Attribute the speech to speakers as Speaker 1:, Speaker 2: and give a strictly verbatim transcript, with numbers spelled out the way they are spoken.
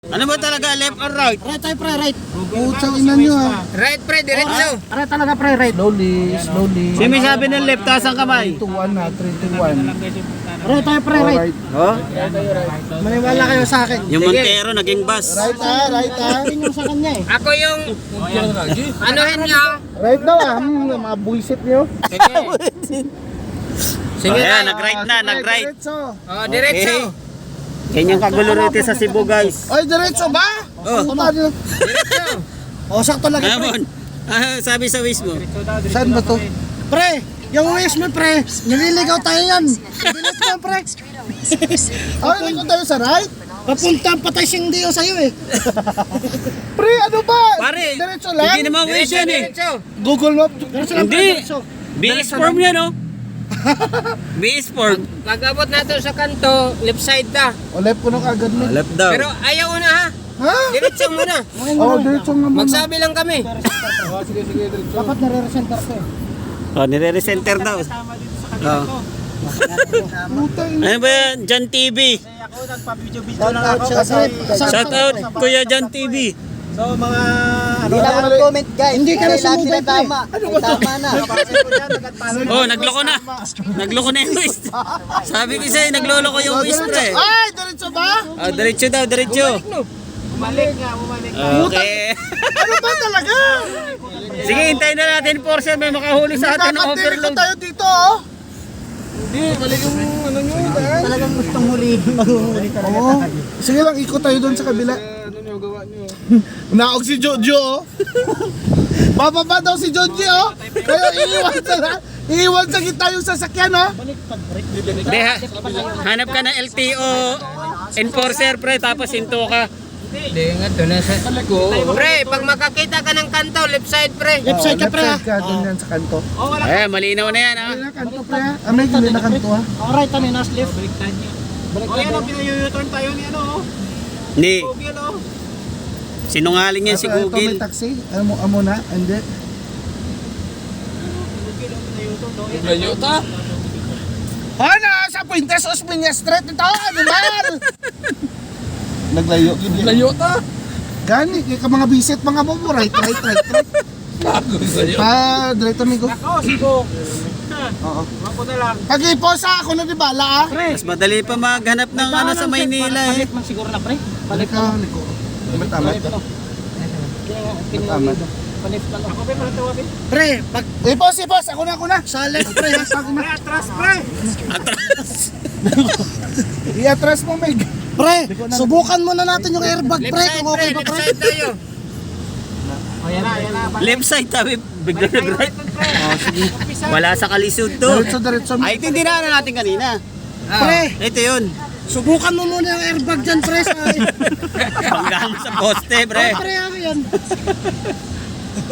Speaker 1: Ano ba talaga, left or right?
Speaker 2: Right tayo pre, right.
Speaker 3: Putang ina nyo ah.
Speaker 1: Right, pre, diretso.
Speaker 2: Right talaga pre, right.
Speaker 3: Slowly, slowly.
Speaker 1: Si may sabi ng left, taas ang kamay.
Speaker 3: three to one na, three to one.
Speaker 2: Right tayo pre, right.
Speaker 3: Alright.
Speaker 1: Oh,
Speaker 2: Maniwala kayo sa akin.
Speaker 1: yung Montero naging bus.
Speaker 3: Right ah, right ah.
Speaker 2: Yun yung sa kanya eh.
Speaker 4: Ako yung... Anuhin nyo?
Speaker 3: Right daw ah. Hmm, mga buisit nyo.
Speaker 1: Sige, oh, ayan, nag-right na, nag-right.
Speaker 3: Diretso.
Speaker 4: Oh, diretso.
Speaker 1: Ganyan kagulo rito sa Cebu, guys.
Speaker 3: Ay, diretso ba?
Speaker 1: Oh,
Speaker 3: Puta nyo.
Speaker 4: Diretso.
Speaker 2: O, sakto lang pre.
Speaker 1: Amon. Ah, sabi sa wish mo.
Speaker 3: Saan ba to?
Speaker 2: Pre, yung wish mo pre, nililigaw tayo yan. Bilis mo pre.
Speaker 3: Ay, nandun tayo sa right?
Speaker 2: Papunta ang patay siyang diyo sa'yo eh.
Speaker 3: Pre, ano ba?
Speaker 1: Pare,
Speaker 3: Diretso lang?
Speaker 1: hindi naman wish yan eh.
Speaker 4: Diretso.
Speaker 3: Google Map.
Speaker 2: Diretso lang, pre,
Speaker 1: Hindi.
Speaker 2: diretso.
Speaker 1: B S form yan, oh. B S form.
Speaker 4: Pag abot natin sa kanto, left side na.
Speaker 3: O, left ko na kagad mo.
Speaker 1: Left daw.
Speaker 4: Pero ayaw na ha.
Speaker 3: Ha?
Speaker 4: Diretso muna.
Speaker 3: Oh, diretso nga muna.
Speaker 4: Magsabi lang kami.
Speaker 2: Dapat nare-recenter ko eh.
Speaker 1: Oh, nire-recenter daw. Oh.
Speaker 3: Putang ina.
Speaker 1: Ano ba yan? Jan T V.
Speaker 3: Shout out, shout out.
Speaker 1: Shout out, Kuya Jan T V.
Speaker 3: Hindi na ako
Speaker 2: Comment guys. Hindi ka na sumubay pre.
Speaker 3: Ano ba to?
Speaker 1: Oh, nagloko na. Nagloko na yung wish. Sabi ko sa'yo, nagloloko yung wish, pre.
Speaker 3: Ay, diretso ba?
Speaker 1: Oh, diretso daw, diretso. Okay.
Speaker 3: Ano ba talaga?
Speaker 1: Sige, hintayin na natin, Porsche. May makahuli sa atin ng
Speaker 3: Dapat dili ko
Speaker 1: overload.
Speaker 3: tayo dito, oh. Hindi, mali yung ano nyo.
Speaker 2: Talagang gustong huli, maghuhuli talaga
Speaker 3: Oo.
Speaker 2: tayo.
Speaker 3: Sige lang, ikot tayo doon sa kabila. Ano nyo, gawa nyo. Naog si Jojo, oh. Bababa daw si Jojo, oh. Kaya iiwan sa na. Iiwan sa gitna yung sasakyan, oh.
Speaker 1: Hindi, ha, hanap ka ng L T O enforcer, pre, tapos hinto ka.
Speaker 4: Hindi nga doon na sa... Pre, pag makakita ka ng kanto, left side pre.
Speaker 2: Left side ka pre ha.
Speaker 3: Left side ka, doon yan sa kanto.
Speaker 1: Eh, malinaw na yan, ha.
Speaker 3: Ay, kanto pre, ha. Ah, may gili na kanto, ha.
Speaker 2: O, right kami, nas left.
Speaker 5: O yan o, pinayuturn tayo ni ano o.
Speaker 1: Hindi.
Speaker 5: Google o.
Speaker 1: Sinungaling yan si
Speaker 3: Ito, ito
Speaker 1: Google.
Speaker 3: may taxi. Amo, amo na, hindi.
Speaker 5: Layo ta.
Speaker 3: Ano, sa Puentes Osmeña Street ito, ano man? Naglayo.
Speaker 5: Layo ta.
Speaker 3: Gani, kaya ka mga bisit, mga mo, right, right, right, right. Pa, diretso amigo.
Speaker 5: Ako, sigo.
Speaker 3: Oo.
Speaker 5: Ako na lang.
Speaker 3: Pag-iposa ako na di bala, ah.
Speaker 1: Mas madali pa maghanap ng ano sa Maynila, eh.
Speaker 2: Palit man siguro na pre.
Speaker 3: Balik ka, liko. Matamat. Matamat.
Speaker 2: Palit lang.
Speaker 5: Ako ba para tawagin?
Speaker 2: Pre, pag
Speaker 3: Ipos, ipos, ako na, ako na.
Speaker 2: sa left pre ha.
Speaker 5: Pre, atras pre.
Speaker 1: Atras.
Speaker 3: I-atras mo, Meg.
Speaker 2: Pre, subukan muna natin yung airbag
Speaker 4: Left
Speaker 2: pre.
Speaker 4: side
Speaker 2: Kung
Speaker 4: pre,
Speaker 2: okay ba
Speaker 4: left
Speaker 2: pre.
Speaker 4: side tayo.
Speaker 5: O yan na, yan na.
Speaker 1: Left side, tabi. Bigla nag-right.
Speaker 3: Oh, sige.
Speaker 1: Wala sa kalisod to.
Speaker 3: Diretso, diretso.
Speaker 1: Ay, ito hindi na natin kanina.
Speaker 2: Pre,
Speaker 1: Ito yun.
Speaker 2: subukan mo muna yung airbag dyan pre. Sa...
Speaker 1: Banggaan mo sa poste, pre.
Speaker 2: Pre, ano yan?